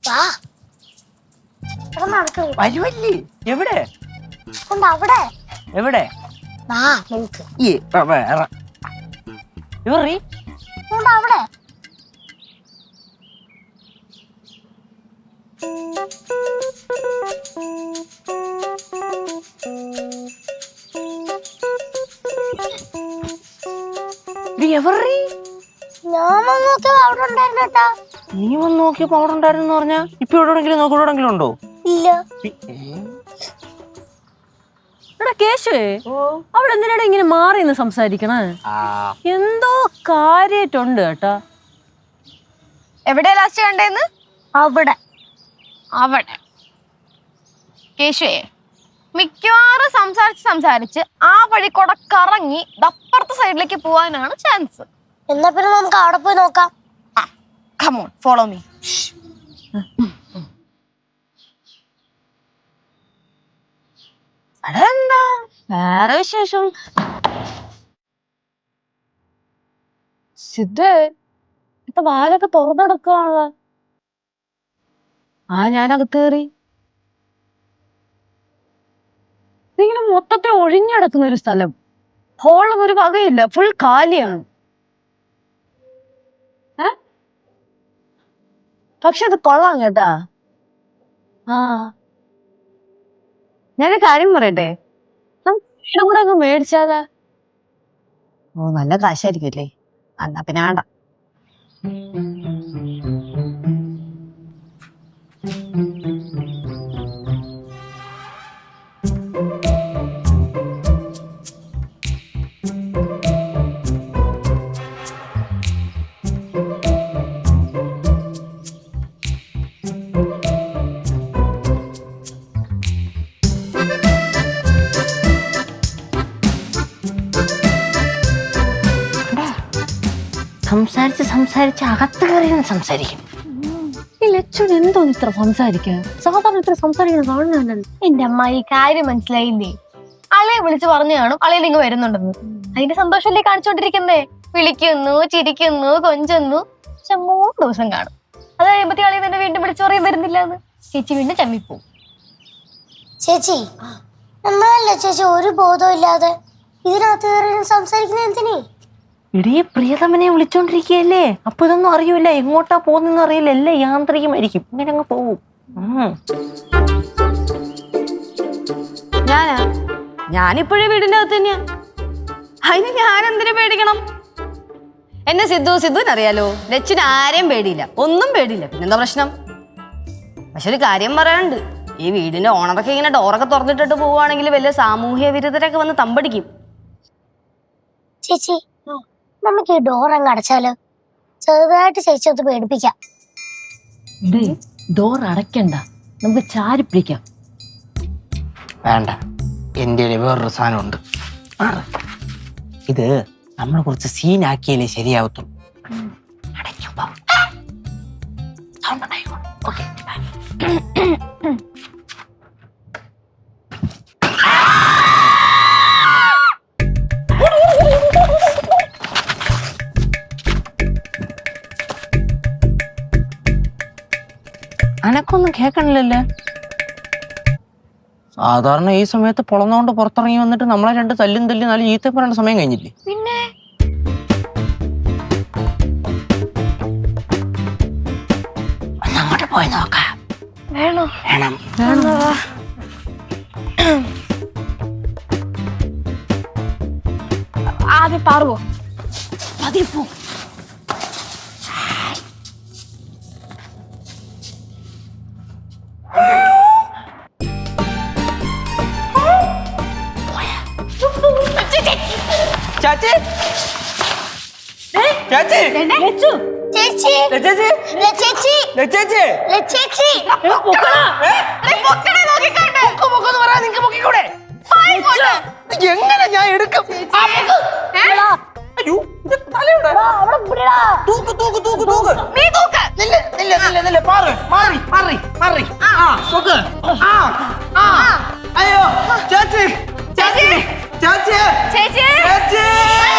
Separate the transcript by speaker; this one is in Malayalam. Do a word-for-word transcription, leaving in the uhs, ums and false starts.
Speaker 1: വരുവല്ലേ? എവിടെ
Speaker 2: അവിടെ
Speaker 1: എവിടെ ഇവറി
Speaker 2: അവിടെ
Speaker 1: എവറി
Speaker 2: ഞാൻ നോക്കിയപ്പോ അവിടെ ഉണ്ടായിരുന്നു കേട്ടാ.
Speaker 1: നീ വന്ന് നോക്കിയപ്പോ അവിടെ ഉണ്ടായിരുന്നു പറഞ്ഞാ ഇപ്പൊ എവിടെയെങ്കിലും നോക്കി എവിടെയെങ്കിലും ഉണ്ടോ?
Speaker 2: ഇല്ല.
Speaker 3: എടാ കേശുവേ, അവിടെ എന്തിനാണ് ഇങ്ങനെ മാറി നിന്ന് സംസാരിക്കണേ? എന്തോ കാര്യായിട്ടുണ്ട് കേട്ടാ.
Speaker 4: എവിടെയാ ലാസ്റ്റ് കണ്ടേന്ന്?
Speaker 2: അവിടെ
Speaker 4: അവിടെ കേശുവേ, മിക്കവാറും സംസാരിച്ച് സംസാരിച്ച് ആ വഴി കൂടെ കറങ്ങി അപ്പുറത്തെ സൈഡിലേക്ക് പോവാനാണ് ചാൻസ്.
Speaker 2: എന്നാ പിന്നെ നമുക്ക് അവിടെ പോയി നോക്കാം.
Speaker 4: Come on, follow me.
Speaker 3: അതെന്താ വേറെ വിശേഷം? സിദ്ധേ, ഇപ്പൊ വാലൊക്കെ തുറന്നെടുക്കാണല്ലോ. ആ ഞാനകത്ത് കയറി. ഇങ്ങനെ മൊത്തത്തിൽ ഒഴിഞ്ഞടക്കുന്ന ഒരു സ്ഥലം. ഹോളൊന്നും ഒരു വകയില്ല, ഫുൾ കാലിയാണ്. ഏ പക്ഷെ അത് കൊള്ളാം കേട്ടാ. ആ ഞാനൊരു കാര്യം പറയട്ടെ, വീടും കൂടെ അങ്ങ് മേടിച്ചാലാ? ഓ നല്ല കാശായിരിക്കുമല്ലേ? എന്നാ പിന്നെ വേണ്ട.
Speaker 1: സംസാരിച്ച് സംസാരിച്ച് അകത്ത് കയറി സംസാരിക്കും.
Speaker 3: ഈ ലച്ചുൻ എന്തോന്ന് ഇത്ര സംസാരിക്കാൻ? സാധാരണ ഇത്ര സംസാരിക്കുന്ന കാണുന്നല്ലോ.
Speaker 4: എന്റെ അമ്മ ഈ കാര്യം മനസ്സിലായില്ലേ? അളയെ വിളിച്ച് പറഞ്ഞു കാണും അളയിൽ ഇങ്ങ് വരുന്നുണ്ടെന്ന്. അതിന്റെ സന്തോഷമല്ലേ കാണിച്ചോണ്ടിരിക്കുന്നേ? വിളിക്കുന്നു, ചിരിക്കുന്നു, കൊഞ്ചുന്നു. പക്ഷെ മൂന്ന് ദിവസം കാണും. അത് കഴിയുമ്പത്തി അളയെ തന്നെ വീണ്ടും വിളിച്ചു പറയും വരുന്നില്ല എന്ന്. ചേച്ചി വീണ്ടും ചമ്മിപ്പോവും.
Speaker 2: ചേച്ചി നമ്മളല്ലേ ചേച്ചി ഒരു ബോധവും ഇല്ലാതെ ഇതിനകത്ത് കയറി സംസാരിക്കുന്ന എന്തിനീ?
Speaker 1: ഇടീ പ്രിയതമനെ വിളിച്ചോണ്ടിരിക്കുകയല്ലേ, അപ്പൊ ഇതൊന്നും അറിയൂല, എങ്ങോട്ടാ പോകുന്നെന്ന് അറിയില്ല, എല്ലാം യാന്ത്രികമായിരിക്കും. ഇങ്ങനെ അങ്ങ് പോവും.
Speaker 3: ഞാനാ ഞാനിപ്പോഴേ വീടിന്റെ അകത്ത് തന്നെയാ. അതിന് ഞാൻ എന്തിനു പേടിക്കണം? എന്നെ സിദ്ധു സിദ്ധുവിനറിയാലോ. ലച്ചിന് ആരെയും പേടിയില്ല, ഒന്നും പേടിയില്ല. പിന്നെന്താ പ്രശ്നം? പക്ഷെ ഒരു കാര്യം പറയാനുണ്ട്. ഈ വീടിന്റെ ഓണറൊക്കെ ഇങ്ങനെ ഡോറൊക്കെ തുറന്നിട്ടിട്ട് പോവുകയാണെങ്കിൽ വലിയ സാമൂഹ്യ വിരുദ്ധരൊക്കെ വന്ന് തമ്പടിക്കും.
Speaker 2: ചേച്ചി നമുക്ക് ഈ ഡോർ അങ്ങ് അടച്ചാലോ? ചെറുതായിട്ട് ചേച്ചി ഒന്ന് പേടിപ്പിക്കാം.
Speaker 3: ഡോർ അടയ്ക്കണ്ട, നമുക്ക് ചാരി പിടിക്കാം.
Speaker 1: വേണ്ട, എൻ്റെ വേറൊരു സാധനമുണ്ട്. ഇത് നമ്മൾ കുറച്ച് സീനാക്കിയാലേ ശരിയാവത്തുള്ളൂ. അടയ്ക്കുമ്പോ സൗണ്ട് ഉണ്ടായിക്കോ. ഓക്കെ, അനക്കൊന്നും കേക്കണില്ലല്ലേ? സാധാരണ ഈ സമയത്ത് പൊളന്നോണ്ട് പുറത്തിറങ്ങി വന്നിട്ട് നമ്മളെ രണ്ട് തല്ലും തല്ലി നല്ല ഈത്ത പറയേണ്ട സമയം കഴിഞ്ഞില്ലേ?
Speaker 4: പിന്നെ
Speaker 1: അങ്ങോട്ട് പോയി നോക്കാം.
Speaker 4: വേണോ?
Speaker 1: വേണം.
Speaker 4: ആദ്യം പാറുവോ?
Speaker 3: അതിൽ പോ.
Speaker 1: ചാച്ചി ചാച്ചി
Speaker 2: ചേച്ചി
Speaker 1: ചേച്ചി
Speaker 2: ചേച്ചി
Speaker 1: ചേച്ചി
Speaker 2: ചേച്ചി
Speaker 1: എങ്ങനെ ഞാൻ എടുക്കും? അയ്യോ, ഇത് തലയുടെ തൂക്ക് തൂക്ക് തൂക്ക് തൂക്ക്.
Speaker 4: നീ തൂക്ക്.
Speaker 1: നില്ല നില്ല നില്ല നില്ല മാറി മാറി മാറി മാറി. ആ തൂക്ക്. ആ ആ അയ്യോ ചേച്ചി ചേച്ചി ചേച്ചി
Speaker 4: ചേച്ചി
Speaker 1: ചേച്ചി